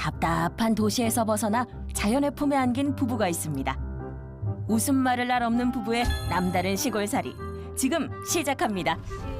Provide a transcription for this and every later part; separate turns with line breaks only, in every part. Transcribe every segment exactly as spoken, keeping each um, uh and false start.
답답한 도시에서 벗어나 자연의 품에 안긴 부부가 있습니다. 웃음말을 날 없는 부부의 남다른 시골살이 지금 시작합니다.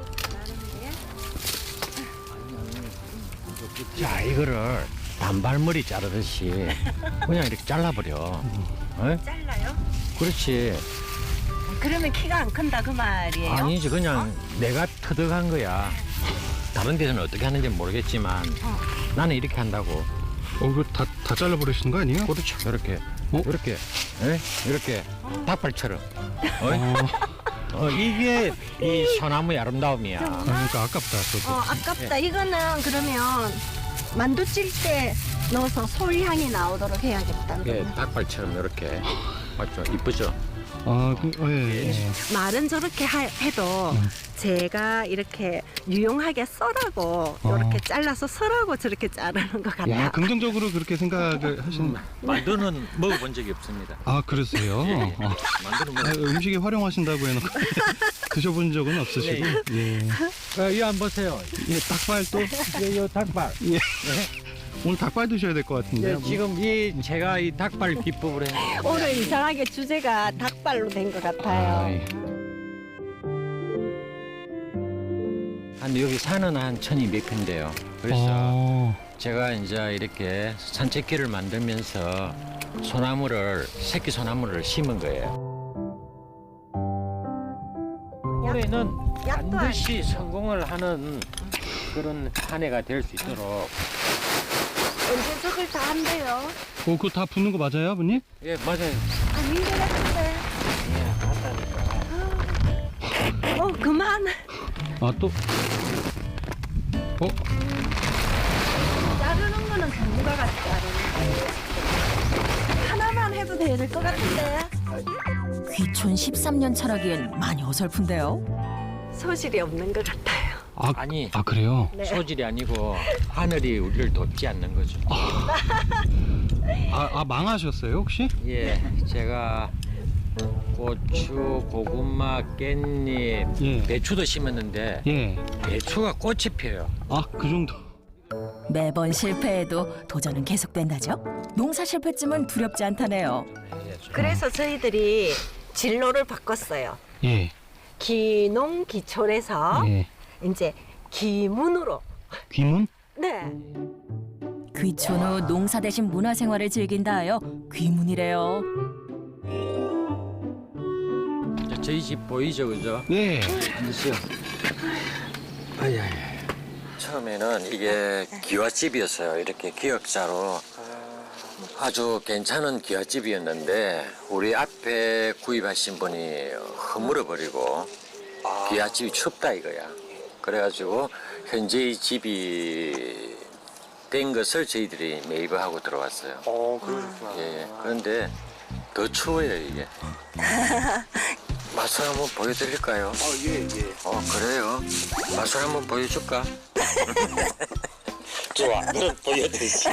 자, 이거를 단발머리 자르듯이 그냥 이렇게 잘라버려. 어?
잘라요?
그렇지.
그러면 키가 안 큰다 그 말이에요?
아니지, 그냥 내가 터득한 거야. 다른 데서는 어떻게 하는지 모르겠지만
어.
나는 이렇게 한다고.
어, 이거 다, 다 잘라버리시는 거 아니에요?
그렇죠. 이렇게,
어?
이렇게, 예? 이렇게 닭발처럼. 어?
어,
어, 이게 이 소나무의 아름다움이야.
아, 그러니까 아깝다, 저도.
어 아깝다. 이거는 그러면 만두 찔 때 넣어서 솔향이 나오도록 해야겠다.
이게 닭발처럼 이렇게. 맞죠? 이쁘죠?
아, 그, 어, 예, 예.
말은 저렇게 하, 해도
음.
제가 이렇게 유용하게 써라고 이렇게 잘라서 써라고 저렇게 자르는 것 같아요.
야, 긍정적으로 그렇게 생각을 하시는.
만두는 먹어본 적이 없습니다.
아, 그러세요?
예, 예.
어.
만두는
아,
먹어.
음식에 활용하신다고 해놓고 드셔본 적은 없으시고. 예.
어, 이거 한번 보세요.
예, 닭발 또.
이거 닭발.
예. 오늘 닭발 드셔야 될 것 같은데요.
네, 지금 이 제가 이 닭발 기법을 해.
오늘 이상하게 주제가 닭발로 된 것 같아요.
아이,
한 여기 산은 한 천이백 평인데요. 그래서
어,
제가 이제 이렇게 산책길을 만들면서 소나무를 새끼 소나무를 심은 거예요. 올해는
약도
반드시 성공을 하는 그런 한 해가 될 수 있도록.
언제 저걸 다 한대요?
어, 그거 다 붓는 거 맞아요, 아버님?
예, 맞아요.
아닌 것 같은데. 어 그만.
아, 또. 어?
자르는 거는 전문가가 자르는 거. 하나만 해도 될 것 같은데.
귀촌 십삼 년 차라기엔 많이 어설픈데요.
소질이 없는 것 같아요.
아,
아니.
아, 그래요?
네.
소질이 아니고 하늘이 우리를 돕지 않는 거죠.
아, 아, 망하셨어요, 혹시?
예, 제가 고추, 고구마, 깻잎,
예.
배추도 심었는데
예.
배추가 꽃이 피어요.
아, 그 정도.
매번 실패해도 도전은 계속된다죠. 농사 실패쯤은 두렵지 않다네요.
그래서 저희들이 진로를 바꿨어요.
예.
기농 기촌에서
예.
이제 기문으로.
귀문?
네.
귀촌 후 농사 대신 문화생활을 즐긴다 하여 귀문이래요.
저희 집 보이죠, 그죠?
예.
앉으세요. 아야야. 처음에는 이게 기와집이었어요. 이렇게 기역자로 아주 괜찮은 기와집이었는데 우리 앞에 구입하신 분이 허물어 버리고 기와집이 춥다 이거야. 그래가지고 현재 이 집이 된 것을 저희들이 매입을 하고 들어왔어요.
어, 그러셨구나.
예, 그런데 더 추워요 이게. 맛을 한번 보여드릴까요?
어, 예, 예.
어 그래요? 맛을 한번 보여줄까? 좋아, 너 보여드리지.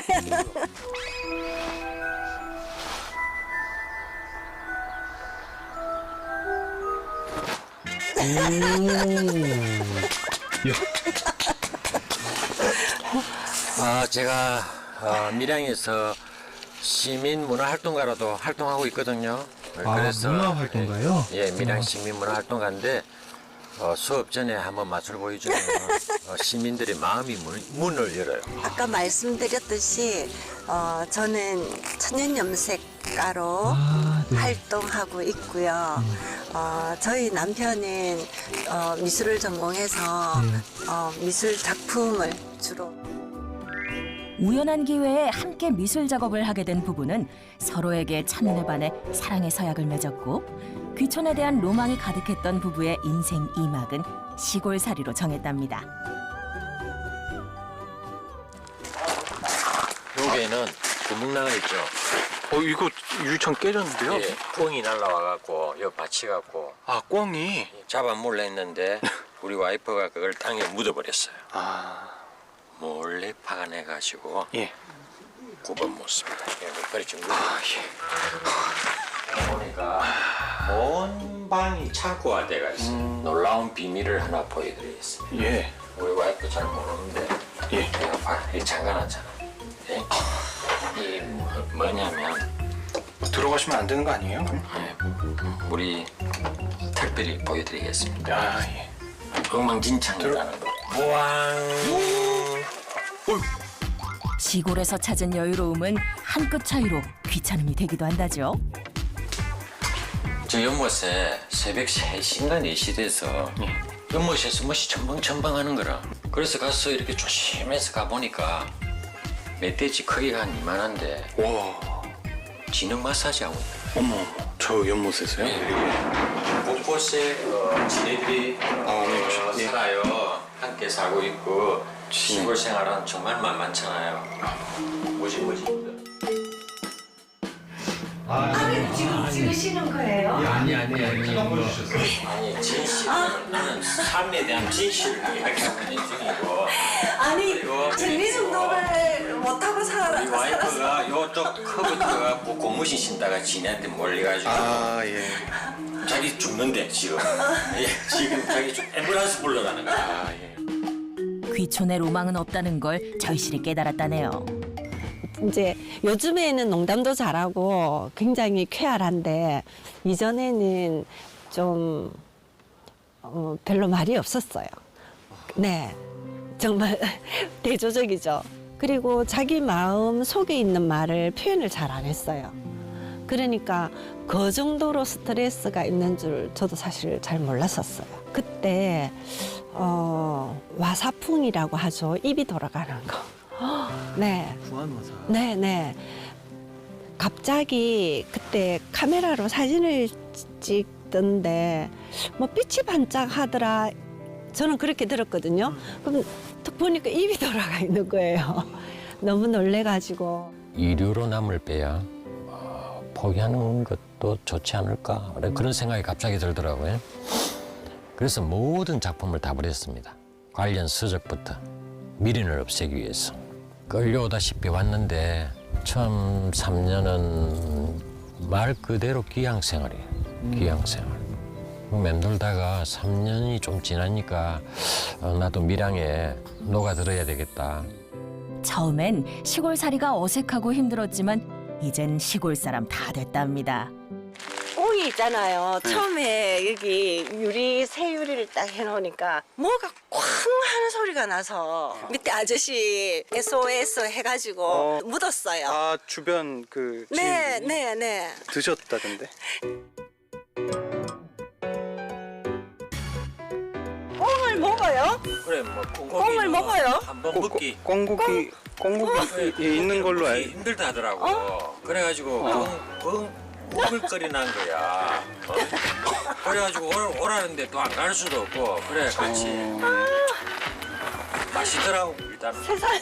아 제가 어, 밀양에서 시민 문화 활동가로도 활동하고 있거든요.
아, 문화 활동가요?
예, 밀양 시민 문화 활동가인데 어, 수업 전에 한번 맛을 보여주면 어, 시민들의 마음이 문, 문을 열어요.
아까 말씀드렸듯이 어, 저는 천연염색가로
아, 네.
활동하고 있고요. 어, 저희 남편은 어, 미술을 전공해서
네.
어, 미술 작품을 주로
우연한 기회에 함께 미술 작업을 하게 된 부부는 서로에게 첫눈에 반해 사랑의 서약을 맺었고 귀촌에 대한 로망이 가득했던 부부의 인생 이막은 시골살이로 정했답니다.
여기에는 구멍나가 있죠.
어, 이거 유리창 깨졌는데요?
예, 꽁이 날라와갖고 여기 받쳐갖고
아, 꽝이.
잡아 몰래 했는데 우리 와이프가 그걸 땅에 묻어버렸어요.
아,
몰래 파가내가지고
예.
굽어먹습니다. 그래 좀
아, 예.
보니까 온 방이 창고가 돼가 있어요.
음.
놀라운 비밀을 하나 보여드리겠습니다.
예.
우리 와이프 잘 모르는데
예.
내가 봐, 이 잠가놨잖아. 예? 뭐냐면
들어가시면 안 되는 거 아니에요?
예, 우리 특별히 보여드리겠습니다.
아 예.
엉망진창이라는 거. 우왕.
시골에서 찾은 여유로움은 한 끗 차이로 귀찮음이 되기도 한다죠.
저 연못에 새벽 세 시인가 네 시 돼서 연못에서 멋이 첨벙첨벙 하는 거라. 그래서 가서 이렇게 조심해서 가보니까 멧돼지 크기가 한 이만한데
와.
진흙 마사지 하고 있다.
어머 어머. 저 연못에서요?
곳곳에 어, 지네들이
아, 네.
어,
예.
살아요. 함께 살고 있고 시골 생활은 정말 만만찮아요. 뭐지 뭐지.
지금 찍으시는 거예요?
아니 아니 아니. 아니 진실. 나는 삶에 대한 진실을 이야기하는 중이고.
아니
그리고
정리정돈을 못하고 살아.
우리 와이프가 요쪽 커브트가 뭐 고무신 신다가 지네한테 몰려가지고
아 예.
자기 죽는데 지금. 예, 지금 자기 죽 앰뷸런스 불러가는 거야.
아 예.
귀촌의 로망은 없다는 걸 절실히 깨달았다네요.
이제 요즘에는 농담도 잘하고 굉장히 쾌활한데 이전에는 좀 어, 별로 말이 없었어요. 네, 정말 대조적이죠. 그리고 자기 마음 속에 있는 말을 표현을 잘 안 했어요. 그러니까 그 정도로 스트레스가 있는 줄 저도 사실 잘 몰랐었어요. 그때 어, 와사풍이라고 하죠. 입이 돌아가는 거. 네.
부안화사.
네, 네. 갑자기 그때 카메라로 사진을 찍던데 뭐 빛이 반짝하더라. 저는 그렇게 들었거든요. 그럼 딱 보니까 입이 돌아가 있는 거예요. 너무 놀래가지고.
이류로 남을 빼야 어, 포기하는 것도 좋지 않을까 그런 생각이 갑자기 들더라고요. 그래서 모든 작품을 다 버렸습니다. 관련 서적부터 미련을 없애기 위해서 끌려오다시피 왔는데 처음 삼 년은 말 그대로 귀향생활이에요. 귀향생활. 맴돌다가 삼 년이 좀 지나니까 어, 나도 밀양에 녹아들어야 되겠다.
처음엔 시골살이가 어색하고 힘들었지만 이젠 시골 사람 다 됐답니다.
꽁이 있잖아요. 처음에 여기 유리 새 유리를 딱 해놓으니까 뭐가 쾅 하는 소리가 나서 밑에 아저씨 에스오에스 해가지고
어.
묻었어요.
아 주변 그
네,
지인분이
네, 네.
드셨다던데.
꽁을 먹어요?
그래 뭐
꽁을 먹어요?
한번
꽁-
먹기
꽁고기 꽁고기 예, 있는 걸로
먹기
알.
힘들다 하더라고.
어?
그래가지고 뻥뻥 우글거리 난 거야. 어? 그래가지고 오라, 오라는데 또 안 갈 수도 없고 그래 같이 맛있더라고 일단.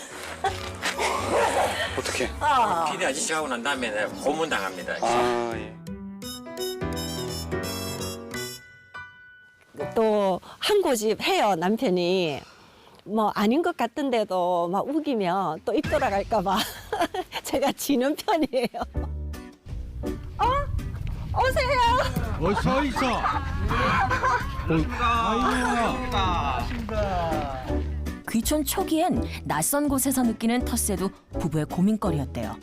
어떻게?
아.
피디 아저씨하고 난 다음에 내가 고문 당합니다.
아 예.
또 한 고집 해요, 남편이. 뭐 아닌 것 같은데도 막 우기면 또 입 돌아갈까 봐 제가 지는 편이에요. 어? 오세요.
어, 서 있어.
귀촌 초기엔 낯선 곳에서 느끼는 텃세도 부부의 고민거리였대요.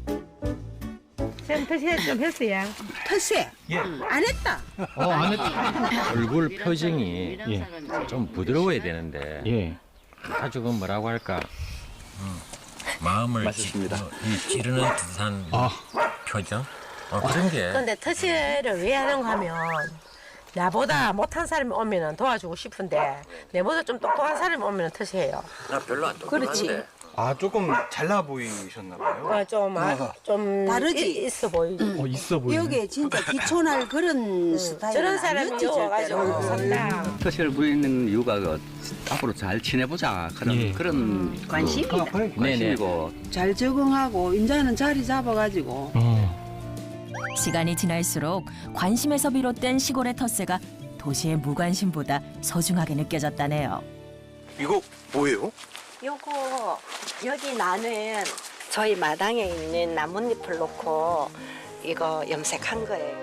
전 텃세 좀 했어요.
텃세?
예.
안 했다.
어, 안 했다.
얼굴 표정이
예.
좀 부드러워야 되는데
예.
아주 그 뭐라고 할까 마음을
맛있습니다.
찌, 어, 이 찌르는 듯한
아.
표정 어, 그런 게
근데 텃세를 왜 하는가 하면 나보다 못한 사람이 오면 도와주고 싶은데 내보다 좀 똑똑한 사람이 오면 텃세해요.
나 별로 안 똑똑한데
아 조금 잘나 보이셨나 봐요.
어, 좀, 아, 좀
다르지?
이- 있어 보이지.
어, 있어 보이네.
여기 진짜 기촌할 그런 스타일
저런 사람이 와가지고 산다.
터시를 부리는 이유가 그 앞으로 잘 지내보자 그런
예.
그런
관심이다.
그 관심이고
잘 적응하고 이제는 자리 잡아가지고
어.
시간이 지날수록 관심에서 비롯된 시골의 텃세가 도시의 무관심보다 소중하게 느껴졌다네요.
이거 뭐예요?
요거 여기 나는 저희 마당에 있는 나뭇잎을 놓고 이거 염색한 거예요.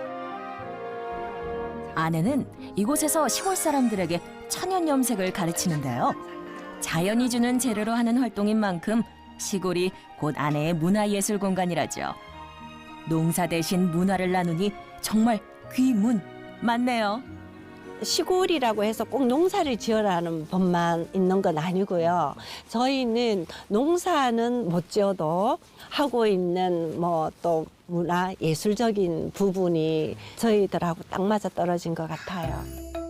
아내는 이곳에서 시골 사람들에게 천연 염색을 가르치는데요. 자연이 주는 재료로 하는 활동인 만큼 시골이 곧 아내의 문화예술 공간이라죠. 농사 대신 문화를 나누니 정말 귀문 맞네요.
시골이라고 해서 꼭 농사를 지어라는 법만 있는 건 아니고요. 저희는 농사는 못 지어도 하고 있는 뭐 또 문화 예술적인 부분이 저희들하고 딱 맞아 떨어진 것 같아요.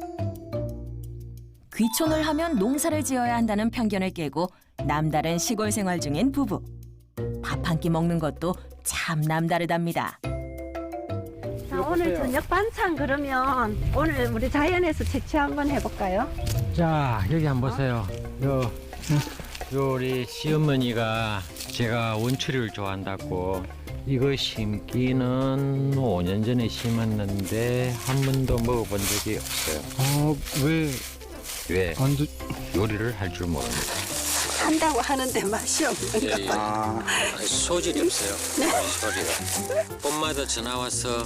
귀촌을 하면 농사를 지어야 한다는 편견을 깨고 남다른 시골 생활 중인 부부. 밥 한 끼 먹는 것도 참 남다르답니다.
자, 오늘 저녁 반찬 그러면 오늘 우리 자연에서 채취 한번 해볼까요?
자, 여기 한번 보세요. 요, 요 우리 시어머니가 제가 원추리를 좋아한다고 이거 심기는 오 년 전에 심었는데 한 번도 먹어본 적이 없어요.
어, 왜
왜?
안 드...
요리를 할 줄 모릅니다.
한다고 하는데 맛이 없는
예, 예.
아,
소질이 없어요. 소리가. 봄마다 전화 와서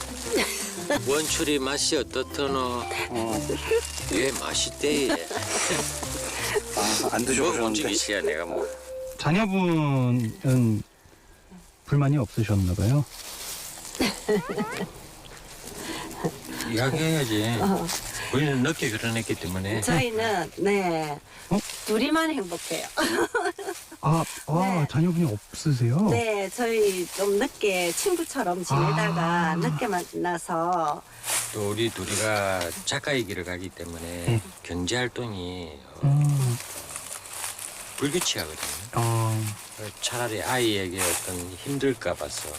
원추리 맛이 어떻더노? 예, 맛있대.
아, 안
먹어본 적이
드셔보셨는데.
있어야 내가 뭐.
자녀분은 불만이 없으셨나 봐요.
이야기해야지. 우리는 늦게 결혼했기 때문에.
저희는 네
어?
둘이만 행복해요.
아, 아
네.
자녀분이 없으세요?
네, 저희 좀 늦게 친구처럼 지내다가
아.
늦게 만나서
또 우리 둘이가 작가의 길을 가기 때문에 경제 활동이 어,
음,
불규칙하거든요.
어,
차라리 아이에게 어떤 힘들까 봐서.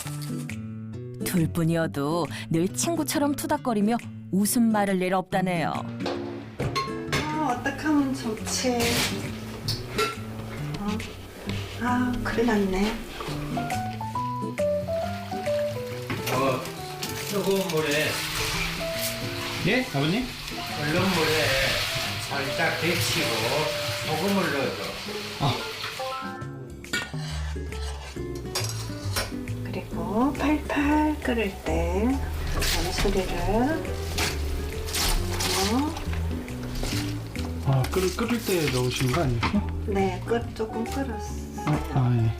둘뿐이어도 늘 친구처럼 투닥거리며 웃음말을 낼 없다네요.
아, 어떡하면 좋지. 어. 아, 큰일 났네.
어, 뜨거운 물에
예, 아버님?
끓는 물에 살짝 데치고 소금을 넣어줘.
그리고 팔팔 끓을 때 어느 소리를 넣어.
아, 끓을 끓을 때 넣으시는 거 아니었어?
네, 끓 조금 끓었어.
아, 아 예.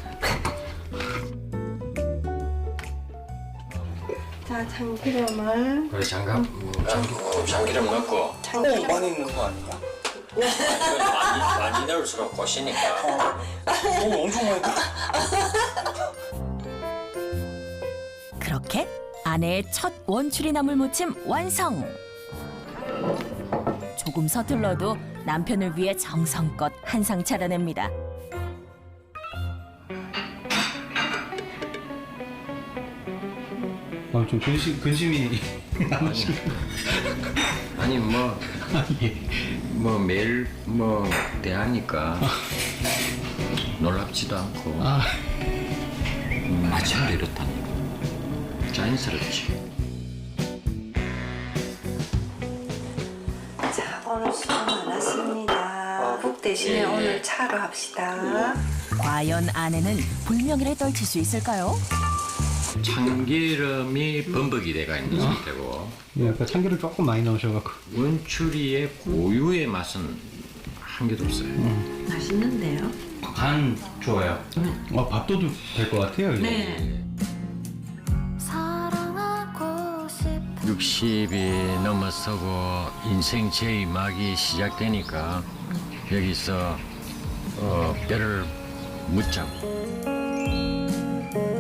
자, 참기름을
그래 장갑, 음, 참기, 참기름 넣고.
참기름
많이 있는 거 아니야?
이건 많이 많이 넣을수록 고시니까.
오, 엄청 많이 들어.
그렇게 아내의 첫 원추리 나물 무침 완성. 조금 서툴러도 남편을 위해 정성껏 한상 차려냅니다.
아, 좀 근심 근심이 남으시네.
아니 뭐.
예.
뭐 매일 뭐 대하니까 놀랍지도 않고
아,
음, 마침도 이렇다니 자연스럽지.
자, 오늘 수고 많았습니다. 국 대신에
예, 예.
오늘 차로 합시다.
과연 아내는 불명예를 떨칠 수 있을까요?
참기름이 범벅이 돼가 있는 상태고
예, 아까 참기름 조금 많이 넣으셔갖고.
원추리의 고유의 맛은 한 개도 없어요.
맛있는데요?
간 좋아요. 아, 밥도둑 될 것 같아요. 이거.
네.
육십이 넘어서고 인생 제이 막이 시작되니까 여기서 어, 뼈를 묻자고